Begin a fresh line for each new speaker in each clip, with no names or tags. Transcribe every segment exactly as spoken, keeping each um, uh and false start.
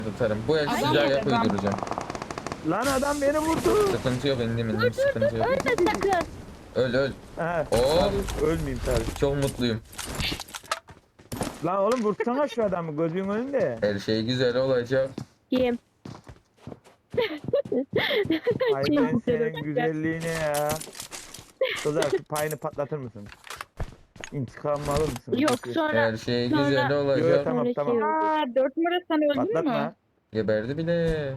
Atarım. Bu el
Adam
sıcağı
yok,
yap
adam.
uyduracağım.
Lan adam beni vurdu.
Sıkıntı yok indim indim sıkıntı yok.
Ölme sakın.
Öl öl.
He.
Oo.
tabii, Ölmeyeyim tabii.
Çok mutluyum.
Lan oğlum vursana şu adamı gözünün önünde.
Her şey güzel olacak.
Kim?
Ay
Şey
ben
güzel
senin
olacak.
güzelliğine ya. Kızlar şu payını patlatır mısın? İntikamımı alır mısın?
Yok
Peki.
sonra.
Her şey
Sonra-
güzel
Yo, yo,
olacak.
tamam
Sonra
tamam.
şey oldu.
Aa, dört numara sen öldün
Patlatma.
mü?
Geberdi bile.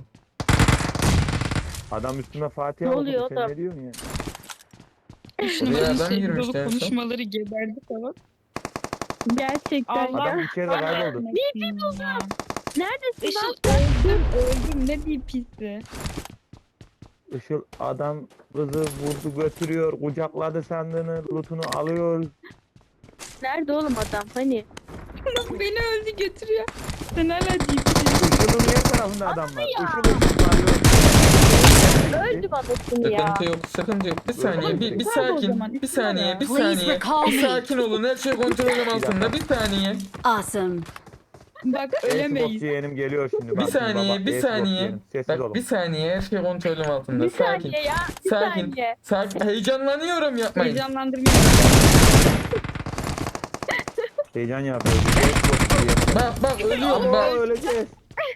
Adam üstüne Fatih
Ne
okudu.
oluyor
Sen
oğlum?
ne diyorsun ya?
Üç
Buraya
numaranın
adam
şey
girmişti
dolu
en son.
konuşmaları geberdi falan.
Gerçekten
Allah.
Adam
ya.
içeride kayboldu.
Ne diyeyim ya?
Neredesin
Işıl
lan?
öldüm öldüm ne diyeyim pisi.
Işıl adam kızı vurdu götürüyor. Kucakladı sandığını. Lootunu alıyor.
Nerede oğlum adam? Hani?
Beni öldü götürüyor. Sen hala ciddi.
Işıl'ın diğer tarafında adam var.
ya.
Işıl'ı varıyor.
Öldü babasını ya.
Sıkıntı yok sıkıntı yok. Bir saniye bir, bir
Tamam o
sakin.
zaman,
Bir
üstüne
saniye
ya.
bir
Please
saniye.
recall
Bir
me.
sakin olun. Her şey kontrolüm altında. Bir saniye.
Awesome.
Bak
Xbox
ölemeyiz.
yeğenim geliyor şimdi.
Bir
Bak şimdi
saniye
baba,
bir
Xbox
saniye.
yeğenim. Sessiz olun.
Bak bir saniye her şey kontrolüm altında.
Bir
Sakin.
saniye ya. Bir
Sakin.
saniye.
Sakin. Heyecanlanıyorum yapmayın.
Heyecanlandırmıyor.
Heyecan yapıyor. Xbox yeğenim.
Bak bak ölüyorum
Ama
bak.
öleceğiz.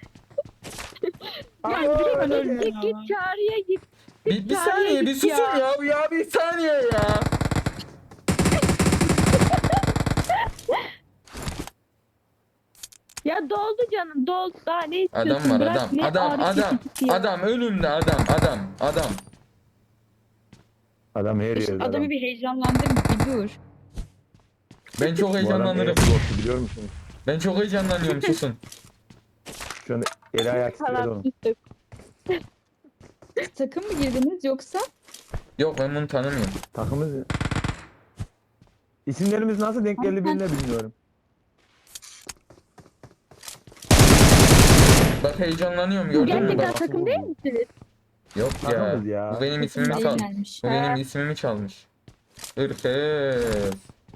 Ya
Ama
git
öleceğiz.
git git çağrıya git.
Bir, bir
Çağrıya
saniye bir
git
susun
ya.
ya. Ya bir saniye ya.
Ya doldu canım doldu. Daha ne istiyorsun?
Adam var
Bırak,
adam.
ne
Adam
ağrı
adam.
kesicisi ya.
Adam önümde adam adam adam.
Adam her yerde adam.
Adamı bir heyecanlandırma bir dur.
Ben çok
Bu adam
heyecanlanırım.
Xbox'u biliyor musunuz?
Ben çok heyecanlanıyorum susun.
Şu anda eli ayak titredi
Tamam
onun.
sustuk.
Takım mı girdiniz yoksa?
Yok ben bunu tanımıyorum.
Takımız ya. İsimlerimiz nasıl denk geldi birine bilmiyorum.
Bak heyecanlanıyorum gördün mü
Gerçekten
bak.
takım değil misiniz?
Yok ya.
Takımız ya.
Bu benim ismimi
Takım
çal.
gelmiş.
Bu benim
Ha.
ismimi çalmış. Irkız.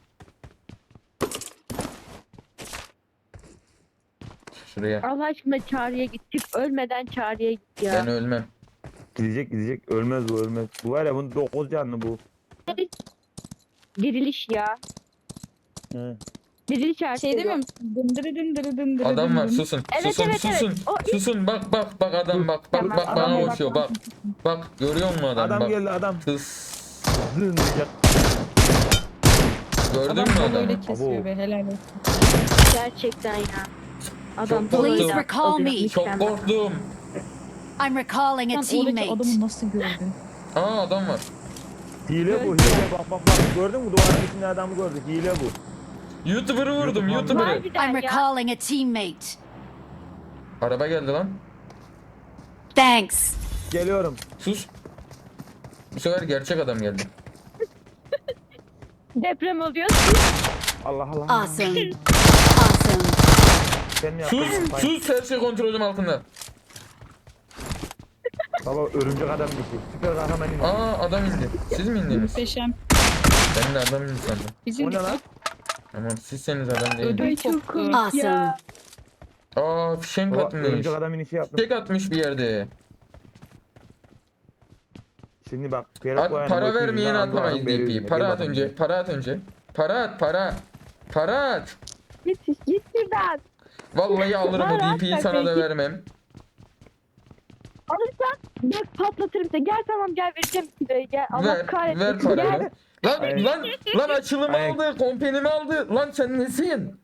Şuraya.
Allah aşkına çağrıya git. Çık ölmeden çağrıya git ya.
Ben ölmem.
Gidecek gidecek ölmez bu ölmez. Bu var ya bunun dokuz canlı bu.
Diriliş ya.
He.
Diriliş artık.
Şey demiyor musun? Dındırı dındırı dındırı
Adam var
dındırı.
susun.
Evet,
susun
evet, evet.
susun.
O ilk-
Susun bak bak bak adam bak bak
Tamam,
bak bana
adama bak,
koşuyor bak. Bak görüyor musun adam,
Adam
bak.
geldi adam.
Tıs.
Zın diyecek.
Gördün
Adam
mü
kolu
adamı?
öyle kesiyor
Abo.
be helal olsun.
Gerçekten ya. Adam
Çok
Please
korktum.
recall me.
Çok korktum.
I'm recalling a
Sen oradaki
teammate.
adamı nasıl gördün?
Aa adam var.
Hile bu hile bak bak bak. Gördün mü duvarın içinde adamı gördük. Hile bu.
YouTuber'ı vurdum
YouTube
YouTuber'ı.
Harbiden
I'm
ya.
recalling a teammate.
Araba geldi lan.
Thanks.
Geliyorum.
Sus. Bu sefer gerçek adam geldi.
Deprem oluyor.
Allah Allah.
Awesome. Awesome.
Sen mi
Sus
yaptın? Hayır.
sus her şey kontrolüm altında.
Baba örümcek adam dişi. Süper kahraman indi.
Aa adam indi. Siz mi indiniz?
Muhteşem.
Ben de adam indi sandım.
Bizim
O ne lan?
Tamam sizseniz adam değil.
Ödüm
Ay çok
koptu.
komik
Awesome.
ya.
Aa fişenk
Baba
atmış.
örümcek adam inişi yaptım.
Fişek atmış bir yerde.
Şimdi bak. Ferhat
At,
Boyan'ın
para
götünü
vermeyeni
yüzünden
atamayız
aldım, veriyor
D P'yi.
yüzüne.
Para
Gel
at
bakalım.
önce. Para at önce. Para at para. Para at.
Git git şuradan.
Vallahi alırım o
Para
D P'yi
at,
sana da
peki.
vermem.
Alırsan bak patlatırım seni. Gel tamam gel vereceğim kiloyu gel. Allah
Ver,
kahretsin.
ver parayı.
Gel.
Lan
Ay.
lan lan açılımı
Ay.
aldı, kompenimi aldı. Lan sen nesin?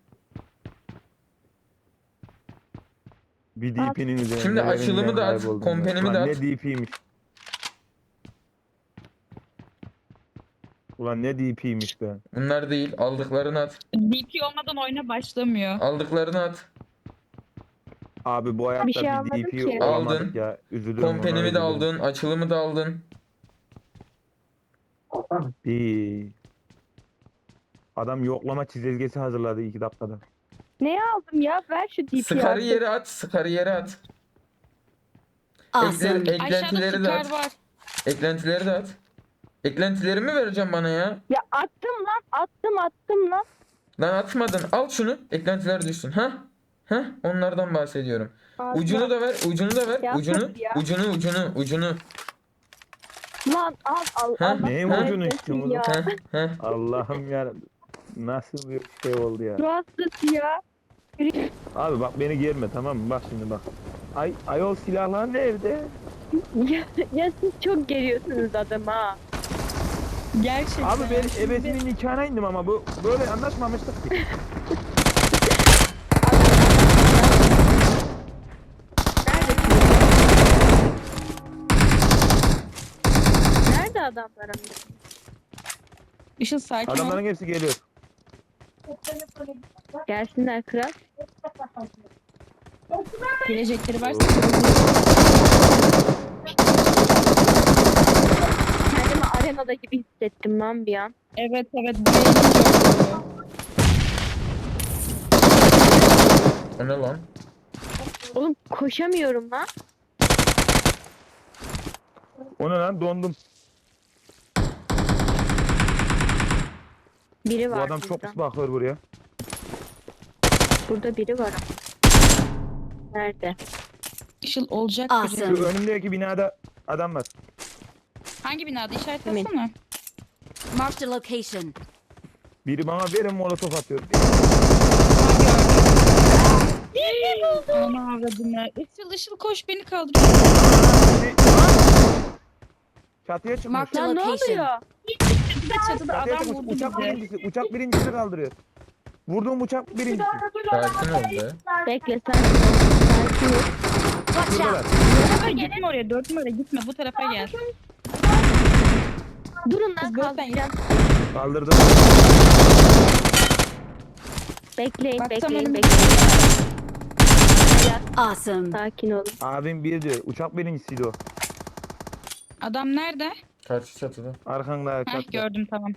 Bir D P'nin üzerinde.
Şimdi açılımı da at,
kayboldum
kompenimi
ben.
de
Ulan
at.
ne D P'ymiş. Ulan ne D P'ymiş be.
Bunlar değil, aldıklarını at.
D P olmadan oyuna başlamıyor.
Aldıklarını at.
Abi bu hayatta
Bir şey
bir,
almadım
D P
ki.
olamadık
Aldın.
ya. Üzülürüm.
Kompenimi
ona,
de
üzülürüm.
aldın, açılımı da aldın.
Bir. Adam yoklama çizelgesi hazırladı iki dakikada.
Ne aldım ya? Ver şu D P'yi
Sıkarı
artık.
yere at, sıkarı yere at.
Awesome.
Ekle-
Aşağıda
eklentileri de
sıkar
at.
var.
Eklentileri de at. Eklentilerimi vereceğim bana ya.
Ya attım lan attım attım lan.
Lan atmadın. Al şunu. Eklentiler düşsün. Ha? Ha? Onlardan bahsediyorum.
Ağzına-
Ucunu da ver, ucunu da ver,
Ya
ucunu,
sus ya.
ucunu, ucunu, ucunu.
Lan al al
Ha?
Allah
Neyin
kahretsin
ucunu içtin oğlum?
ya.
Heh, heh.
Allah'ım ya. Nasıl bir şey oldu ya.
Rahatsız ya.
Abi bak beni germe tamam mı? Bak şimdi bak. Ay ayol silahlar nerede?
ya. Ya siz çok geriyorsunuz adamı ha.
Gerçekten.
Abi ben
Şimdi-
ebesinin nikahına indim ama bu böyle anlaşmamıştık ki.
Nerede adamlar ama?
Işıl sakin ol.
Adamların hepsi geliyor.
Gelsinler kral.
Gelecekleri varsa.
Kendimi arenada gibi hissettim lan bir an.
Evet evet buraya inince oluyor.
O ne lan?
Oğlum koşamıyorum lan.
O ne lan dondum.
Biri
Bu
var
adam çok
burada.
pis bakıyor buraya.
Burada biri var ama. Nerede?
Işıl olacak
Awesome.
biri.
Şu önümdeki binada adam var.
Hangi binada işaret
Emin.
etsene.
Marked a location.
Biri bana verin molotof atıyor.
Ana avradını. Işıl Işıl koş beni kaldır.
Çatıya çıkmış.
Mark the
Lan ne
location.
oluyor?
Çatıda çatıda
Çatıya
adam
çıkmış.
vurdu
Uçak
bizi.
birincisi. Uçak birincisi kaldırıyor. Vurduğum uçak birincisi.
Sakin ol be.
Bekle sen. Sakin ol.
Watch
Şuradalar.
out.
Bu tarafa gitme oraya. Dört numara gitme. Bu tarafa gel.
Durun lan
Kız gökten
kaldıracağım.
Kaldırdım.
Bekleyin
Bak,
bekleyin
tamam.
bekleyin. Hayat,
Awesome.
sakin olun.
Abim bir diyor. Uçak birincisiydi o.
Adam nerede?
Karşı çatıda.
Arkanda
Heh
çatıda.
gördüm tamam.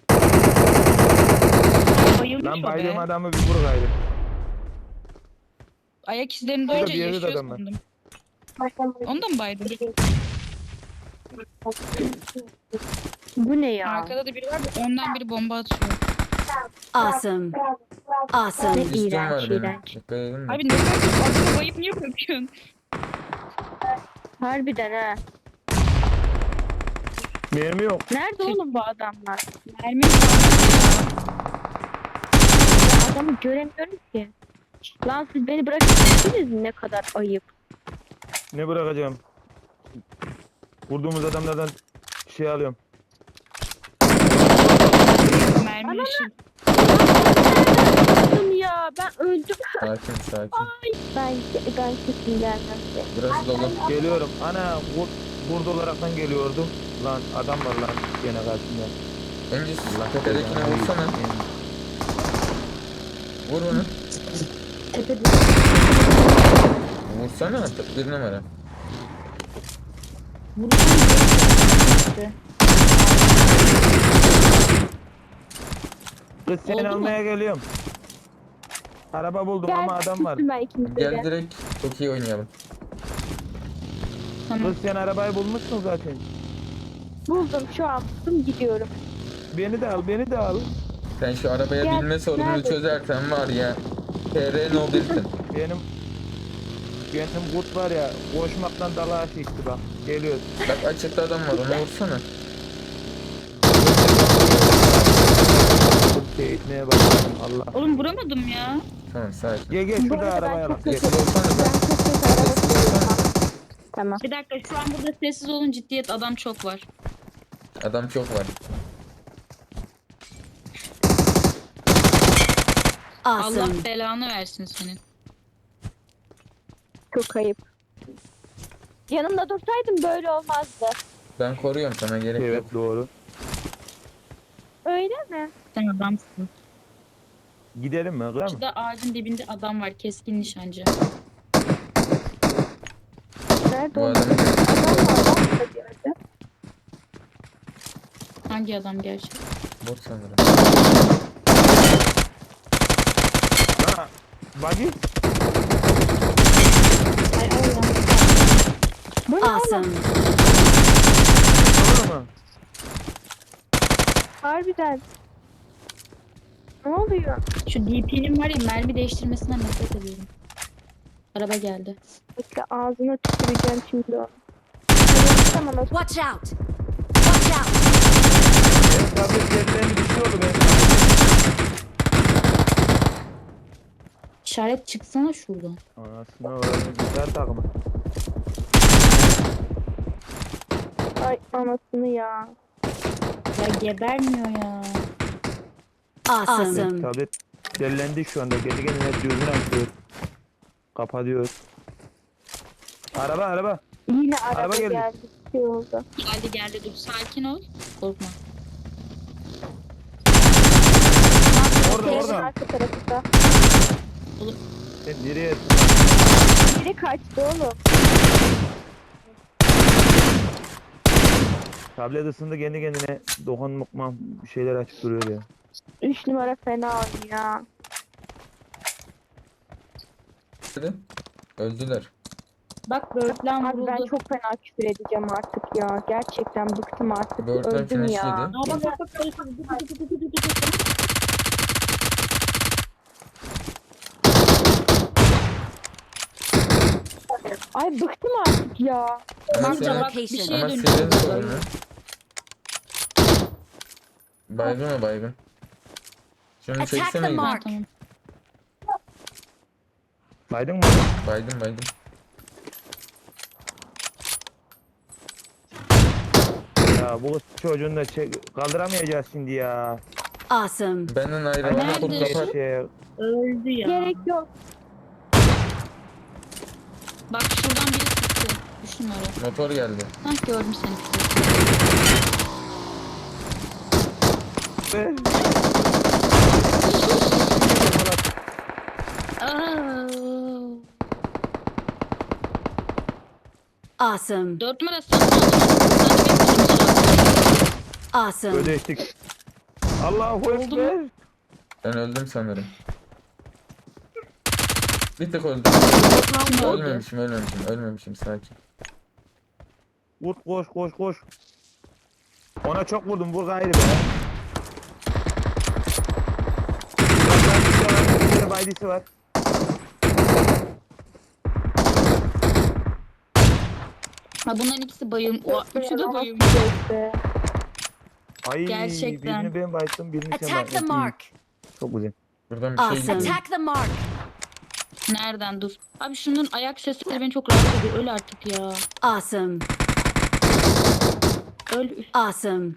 Bayılmış
Lan
o
baydığım
be.
adamı bir vur gayrı.
Ayak izlerini
Burada
duyunca
bir yerde de
yaşıyor
adam var.
sandım. Onu da mı baydın?
Bu ne ya?
Arkada da biri var da önden biri bomba atıyor.
Awesome. Awesome.
Ne
Üstüm var
iğrenç
benim.
iğrenç.
Dikkat edin mi?
Abi ne kadar adamı bayıp niye bırakıyorsun?
Harbiden ha.
Mermi yok.
Nerede oğlum bu adamlar?
Mermi
Ya adamı göremiyorum ki. Lan siz beni bırakıp gittiniz mi? Ne kadar ayıp.
Ne bırakacağım? Vurduğumuz adamlardan şey alıyorum.
mermi ışık.
Öldüm ya ben öldüm.
Sakin, sakin.
Ben ben kesin gelmem size.
Burası dolu.
Geliyorum. Ana vur, vurdu olaraktan geliyordu. Lan adam var lan gene karşımda.
Önce
Allah
tepedekine
belanı
vursana.
versin.
Vur onu.
Tepede.
Vursana. Bir numara.
Kız seni
Oldu mu?
almaya geliyorum. Araba buldum
Gel
ama adam var.
tuttum ben ikimizi de.
Gel direkt çok iyi oynayalım.
Tamam.
Kız sen arabayı bulmuşsun zaten.
Buldum şu an buldum gidiyorum.
Beni de al, beni de al.
Sen şu arabaya
Gel,
binme sorununu
nerede?
çözersen var ya. T R Nobel'sin.
Benim benim kurt var ya koşmaktan dalağa çekti bak. Geliyor.
Bak açıkta adam var ona vursana.
Çok şey etmeye başladım Allah.
Oğlum vuramadım ya.
Tamam sakin.
Gel gel
Bu
şurada
arada ben
arabaya
çok
bak.
kötü.
Gel.
Sessiz olsana
Ben
be.
çok kötü araba sürüyorum. Tamam.
Bir dakika şu an burada sessiz olun ciddiyet adam çok var.
Adam çok var.
Awesome.
Allah belanı versin senin.
Çok ayıp. Yanımda dursaydım böyle olmazdı.
Ben koruyorum sana gerek yok.
Evet doğru.
Öyle mi?
Sen adamsın.
Gidelim mi? Kırar mı?
Şurada ağacın dibinde adam var keskin nişancı.
Nerede
Bu
o?
adamı
Adam var lan burada bir yerde.
Hangi adam gerçek?
vur sanırım.
Ha, buggy.
Ay Allah.
Bu ne oğlum?
Awesome.
Olur mu?
Harbiden. Ne oluyor?
Şu D P'nin var ya mermi değiştirmesinden nefret ediyorum. Araba geldi.
Bekle ağzına tüküreceğim şimdi onu. Tamam o
Watch out! Watch out!
Benim tablet yerlerini düşüyordu ben.
İşaret çıksana şuradan.
Anasını öğrenin güzel takımı.
ay anasını ya.
Ya gebermiyor ya.
Awesome.
Tablet yerlendi şu anda. Kendi kendine düzgün açıyor. Kapatıyor. Araba araba.
Yine araba,
Araba geldi.
geldi. Bir şey oldu.
Geldi geldi dur sakin ol. Korkma.
Orada
Senin
orada.
arka tarafında.
Sen nereye?
Biri kaçtı oğlum.
Tablet ısındı kendi kendine dokunmakma bir şeyler açıp duruyor ya.
Üç numara fena oynuyor.
Hadi. Öldüler.
Bak böğürtlen
Abi
vuruldu.
ben çok fena küfür edeceğim artık ya. Gerçekten bıktım artık.
Böğürtlen
Öldüm ya.
finişliydi.
Aa, bak bak bak.
Ay bıktım artık ya.
Ama
Marked a
senin,
bak, bir
location.
şey-
ama
dönüyor.
senin sorunu. Baygın mı baygın? Şunu
Attack
çeksene.
the
gidin.
mark.
Tamam.
Saydın mı?
Baygın baygın.
Ya bu kız çocuğunu da çek kaldıramayacağız şimdi ya.
Awesome.
Benden ayrılana
Nerede?
kurt kapat.
Şey,
Öldü ya.
Gerek yok.
Bak şuradan biri çıktı. Üç numara.
Motor geldi.
Hah gördüm seni.
be.
Aa.
Awesome.
Dört numara sen aldın.
Awesome.
Ödeştik. Allahu
Oldu mu?
Ekber.
Ben öldüm sanırım. Bir tık öldüm.
Kim öldü?
Ölmemişim ölmemişim ölmemişim sakin.
Vur koş koş koş. Ona çok vurdum vur gayrı be. Bir de baydisi var.
Ha bunların ikisi bayım. O, üçü de bayım.
Neyse.
Ay
Gerçekten.
birini ben baydım birini sen
Attack the
baydın.
mark.
Çok güzel.
Buradan bir şey
Awesome.
gidiyor.
Attack the mark.
Nereden dur. Abi şunun ayak sesleri beni çok rahatsız ediyor. Öl artık ya.
Awesome.
Öl.
Awesome.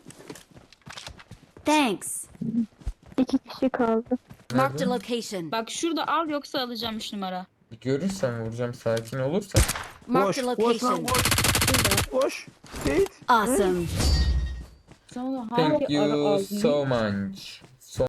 Thanks.
İki kişi kaldı.
Marked a
Nerede?
location.
Bak şurada al yoksa alacağım üç numara.
Bir görürsem vuracağım sakin olursa.
Marked a
Koş koş lan
location.
koş. Koş. Git.
Awesome.
Sonra
Thank
hangi ara
you
aldın?
so much.